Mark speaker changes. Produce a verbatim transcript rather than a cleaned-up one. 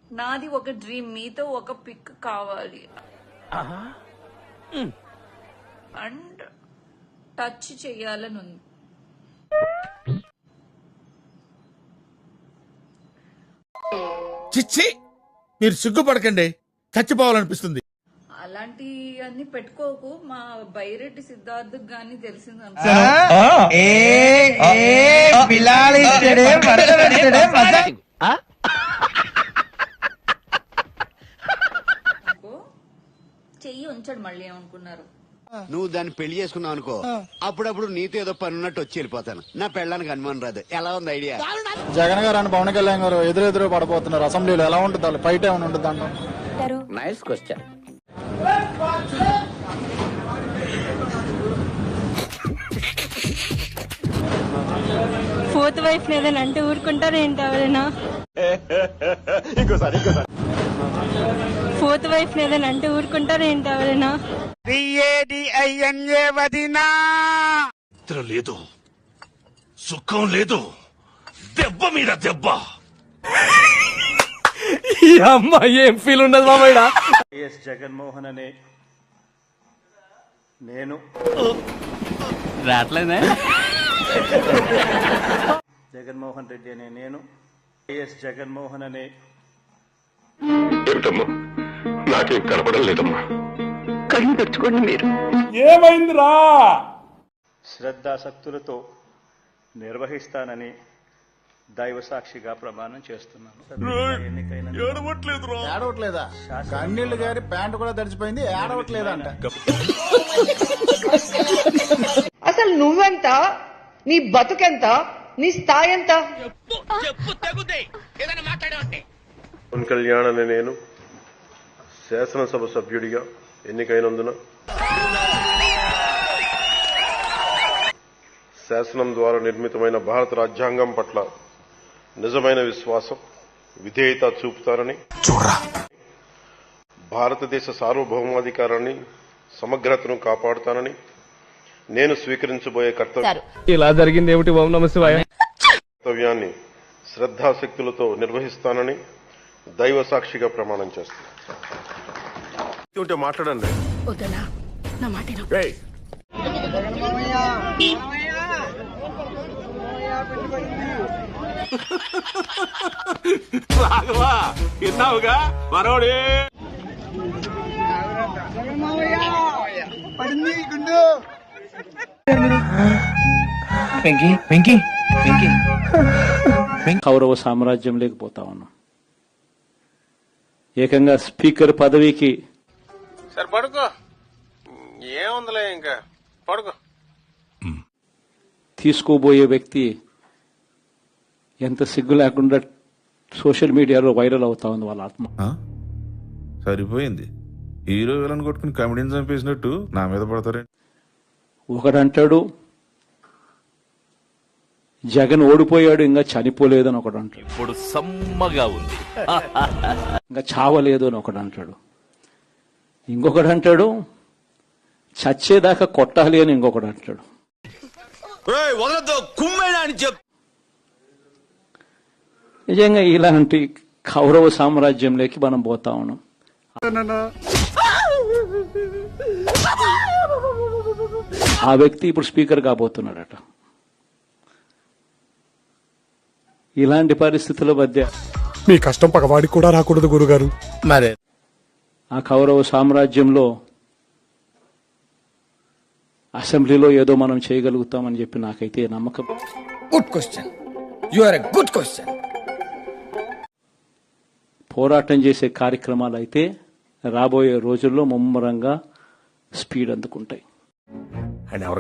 Speaker 1: నాది ఒక డ్రీమ్, మీతో ఒక పిక్ కావాలి అండ్ టచ్ చెయ్యాలని ఉంది.
Speaker 2: చిచ్చి, మీరు సిగ్గుపడకండి, చచ్చిపోవాలనిపిస్తుంది.
Speaker 1: అలాంటి అన్ని పెట్టుకోకు. మా బైరెడ్డి సిద్ధార్థ్ గాని తెలిసింది చెయ్యి ఉంచాడు. మళ్ళీ ఏమనుకున్నారు?
Speaker 3: నువ్వు దాన్ని పెళ్లి చేసుకున్నావు అనుకో, అప్పుడప్పుడు నీతో ఏదో పని ఉన్నట్టు వచ్చి వెళ్ళిపోతాను. నా పెళ్ళడానికి అనుమానం రాదు. ఎలా ఉంది ఐడియా?
Speaker 4: జగన్ గారు అని పవన్ కళ్యాణ్ గారు ఎదురెదురు పడబోతున్నారు అసెంబ్లీలో. ఎలా ఉంటుంది? ఫైట్ ఏమైనా ఉంటుంది అంటారు?
Speaker 5: Nice question.
Speaker 6: ఫోర్త్ వైఫ్ లేదని అంటే ఊరుకుంటారు ఏంటి ఎవరైనా? ఫోర్త్ వైఫ్ లేదని అంటే ఊరుకుంటారు ఏంటి ఎవరైనా?
Speaker 2: లేదు, సుఖం లేదు, దెబ్బ మీద దెబ్బ.
Speaker 7: ఈ అమ్మాయి ఏం ఫీల్ ఉండదు మామయ్య.
Speaker 8: వైఎస్ జగన్మోహన్ అనే నేను
Speaker 7: రావట్లేదే.
Speaker 8: జగన్మోహన్ రెడ్డి అనే నేను వైఎస్ జగన్మోహన్ అనే
Speaker 9: ఏమిటమ్మా, నాకేం కనపడం లేదమ్మా.
Speaker 5: కళ్ళు తెచ్చుకోండి మీరు.
Speaker 8: ఏమైందిరా శ్రద్ధాసక్తులతో నిర్వహిస్తానని దైవ సాక్షిగా ప్రమాణం చేస్తున్నాను. ఎన్నికైన
Speaker 4: ఏడవట్లేదా? కన్నీళ్లు గారి ప్యాంటు కూడా తడిచిపోయింది, ఏడవట్లేదా అంట.
Speaker 10: అసలు నువ్వెంత, నీ బతుకెంత, నీ స్థాయి ఎంత?
Speaker 9: పవన్ కళ్యాణ్ అనే నేను శాసనసభ సభ్యుడిగా ఎన్నికైనందున శాసనం ద్వారా నిర్మితమైన భారత రాజ్యాంగం పట్ల నిజమైన విశ్వాసం, విధేయత చూపుతారని, భారతదేశ సార్వభౌమాధికారాన్ని, సమగ్రతను కాపాడుతానని నేను స్వీకరించబోయే కర్తవ్యం
Speaker 7: ఇలా జరిగింది ఏమిటి? ఓం నమః శివాయ.
Speaker 9: కర్తవ్యాన్ని శ్రద్ధాశక్తులతో నిర్వహిస్తానని దైవ సాక్షిగా ప్రమాణం చేస్తాను. ఉంటే మాట్లాడండి.
Speaker 2: రాఘవా, విన్నావుగా మరోడే.
Speaker 8: కౌరవ సామ్రాజ్యం లేకపోతా ఉన్నాం. ఏకంగా స్పీకర్ పదవికి
Speaker 9: సరే పడుకో, ఏముందిలే ఇంకా పడుకో.
Speaker 8: తీసుకోబోయే వ్యక్తి ఎంత సిగ్గు లేకుండా సోషల్ మీడియాలో వైరల్ అవుతా ఉంది వాళ్ళ ఆత్మ.
Speaker 2: సరిపోయింది, హీరో విలన్ కొట్టుకుని కమెడీని చంపేసినట్టు నా మీద పడతారే.
Speaker 8: ఒకడంటాడు జగన్ ఓడిపోయాడు, ఇంకా చనిపోలేదు అని ఒకడు అంటాడు.
Speaker 7: ఇప్పుడు సమ్మగా ఉంది,
Speaker 8: ఇంకా చావలేదు అని ఒకడు అంటాడు. ఇంకొకడు అంటాడు చచ్చేదాకా కొట్టాలి అని ఇంకొకడు అంటాడు. నిజంగా ఇలాంటి కౌరవ సామ్రాజ్యంలోకి మనం పోతా ఉన్నాం. ఆ వ్యక్తి ఇప్పుడు స్పీకర్ కాబోతున్నాడట. ఇలాంటి పరిస్థితుల మధ్య
Speaker 4: మీ కష్టం పగవాడికి కూడా రాకూడదు గురుగారు.
Speaker 2: మరే
Speaker 8: ఆ కౌరవ సామ్రాజ్యంలో అసెంబ్లీలో ఏదో మనం చేయగలుగుతామని చెప్పి నాకైతే నమ్మకం.
Speaker 5: Good question, you are a good question.
Speaker 8: పోరాటం చేసే కార్యక్రమాలు అయితే రాబోయే రోజుల్లో ముమ్మరంగా స్పీడ్ అందుకుంటాయి.